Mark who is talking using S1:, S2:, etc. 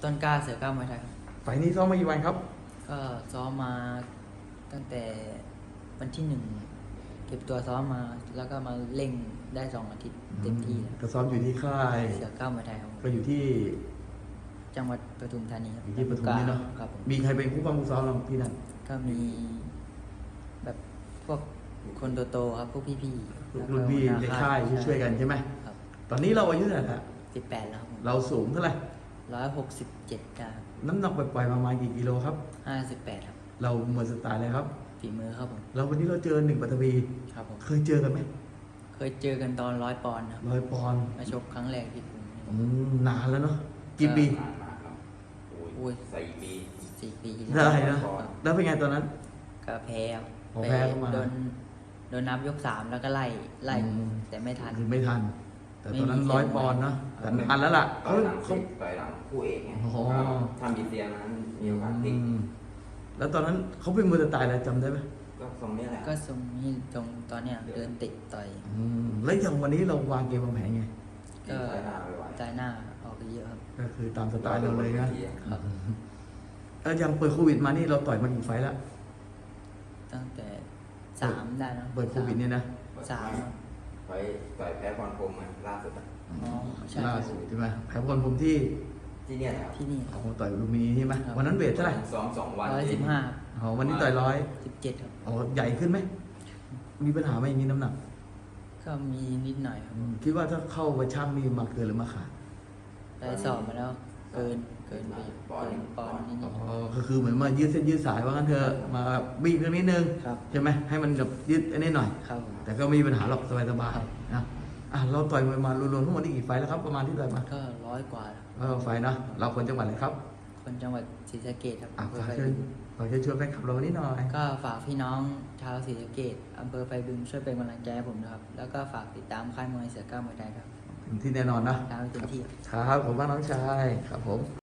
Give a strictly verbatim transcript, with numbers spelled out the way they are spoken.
S1: ต้นกล้าเสือก้าวมวยไทยครับ
S2: ไฟล์นี้ซ้อมมากี่วันครับ
S1: ก็ซ้อมมาตั้งแต่วันที่หนึ่งเก็บตัวซ้อมมาแล้วก็มาเล่งได้สองอาทิตย์เต็มที่
S2: ก็ซ้อมอยู่ที่ค่าย
S1: เสือก้าวมวยไทยครับ
S2: ก็อยู่ที่
S1: จังหวัดปทุมธานีครับ
S2: อยู่ที่ปทุมนี่เนาะ
S1: ครับผม
S2: มีใครเป็นผู้บังคับซ้อมเราที่นั่น
S1: ก็มีแบบพวกคนโตๆครับพวกพี่ๆแล้วก็
S2: รุ่นพี่ในค่ายช่วยๆกันใช่ไหม
S1: ครับ
S2: ตอนนี้เราอายุเท่าไหร่ละ
S1: สิบแปดแล้วครับผม
S2: เราสูงเท่าไหร่
S1: ร้อยหกสิบเจ็ดกรัม
S2: น้ำหนักปล่อยๆประมาณกี่กิโลครับ
S1: ห้าสิบแปดครับ
S2: เราหมดสไตล์เลยครับ
S1: ฝีมือครับผม
S2: เราวันนี้เราเจอหนึ่งปัตภี
S1: ครับผม
S2: เคยเจอกันไหม
S1: เคยเจอกันตอนร้อยปอนด์ครับ
S2: ร้อยปอนด์
S1: มาชกครั้งแรกที่กรุง
S2: อืมนานแล้วเนาะกี่ปี
S3: ผ่านมาครับโอ้
S1: อุ้
S3: ย
S1: ย
S3: สี่ปี
S1: สี่ปี
S2: ได้นะ
S1: ครับ
S2: แล้วเป็นไงตอนนั้น
S1: ก็แพ้ครับ
S2: อ๋อแพ้เข้ามา
S1: โดนโดนนับยกสามแล้วก็ไล่ไล่
S2: อืม
S1: แต่ไม่ทัน
S2: คือไม่ทัน แต่ตอนนั้น
S1: ไม่มี
S2: ร้อยปอนด์เนาะแต่นานแล้วล่ะ
S3: ต่อ
S2: เขา
S3: ยหลัง
S2: เขา
S3: ต่อยหลังคู่เอกไง
S2: อ๋อ
S3: ครับทำยินเซียนั้นมีโอกาสพลิก
S2: อืมแล้วตอนนั้นเขาเป็นมือสไตล์อะไรจำได้ไหม
S3: ก็ทรงนี้แหละ
S1: ก็ทรงนี้ตรงตอนเนี้ยเดินติดต่อย
S2: อืมแล้วอย่างวันนี้เราวางเกมวางแผนไง
S1: ก็
S3: ใช้หน้าไม่ไหว
S1: ใจหน้าออกไปเยอะครับ
S2: ก็คือตามสไตล์เราเลยนะ
S1: ครับ
S2: แล้วอย่างเปิดโควิดมานี่เราต่อยมากี่ไฟล์แล้ว
S1: ตั้งแต่สามได้นะ
S2: เปิดโควิดเนี่ยนะ
S1: สามครับ
S3: ไปต่อยแพ้พรพรหมมาล่าสุดอะ
S1: อ๋อใช่
S2: ล่าสุดใช่ไหมแพ้พลผมที่
S3: ที่เนี่ยแหละครับ
S1: ที่นี่
S2: เอาต่อยลูมินีใช่ไหมวันนั้นเวทเท่าไหร่
S3: ซ้อมสองวัน
S1: ร้อยสิบห้า
S2: อ๋อวันนี้ต่อยร้อย
S1: สิบเจ็ดครับ
S2: อ๋อใหญ่ขึ้นไหมมีปัญหาไหมอย่างนี้น้ำหนัก
S1: ก็มีนิดหน่อยครับ
S2: อืมคิดว่าถ้าเข้าไปช่างนี่มาเกินหรือมาขาด
S1: ได้สอบมาแล้วเกินเกินไปอยู่เกินปอนด์นิด
S2: อ๋
S1: นิ
S2: อ
S1: ด
S2: ก็คือเหมือนมายืดเส้นยืดสายว่างั้นเถอะมาบีบตรงนิดนึง
S1: ครับ
S2: ใช่ไหมให้มันแบบยืดอันนี้หน่อย
S1: ครับผม
S2: แต่ก็ไม่มีปัญหาหรอกสบายๆนะอ่ะเราต่อยมวยมารวมๆทั้งหมดนี่กี่ไฟล์แล้วครับประมาณที่ต่อยมา
S1: ก็ร้อยกว่าแล้ว
S2: เออไฟล์นะเราคนจังหวัดอะไรครับ
S1: คนจังหวัดศรีสะเกษครับ
S2: อ่ะ
S1: อำเภอ
S2: ฝาก
S1: ไฟ
S2: เชิญ
S1: บึง
S2: ฝากเชิญชวนแฟนคลับเราวันนี้หน่อย
S1: ก็ฝากพี่น้องชาวศรีสะเกษอำเภอไฟบึงช่วยเป็นกำลังใจให้ผมนะครับ แล้วก็ฝากติดตามค่ายมวยเสือก้าวมวยไทยครับ
S2: ถึงที่แน่นอนนะ
S1: ตามให้เต็มที่
S2: ครับผมว่าน้องชายครับผม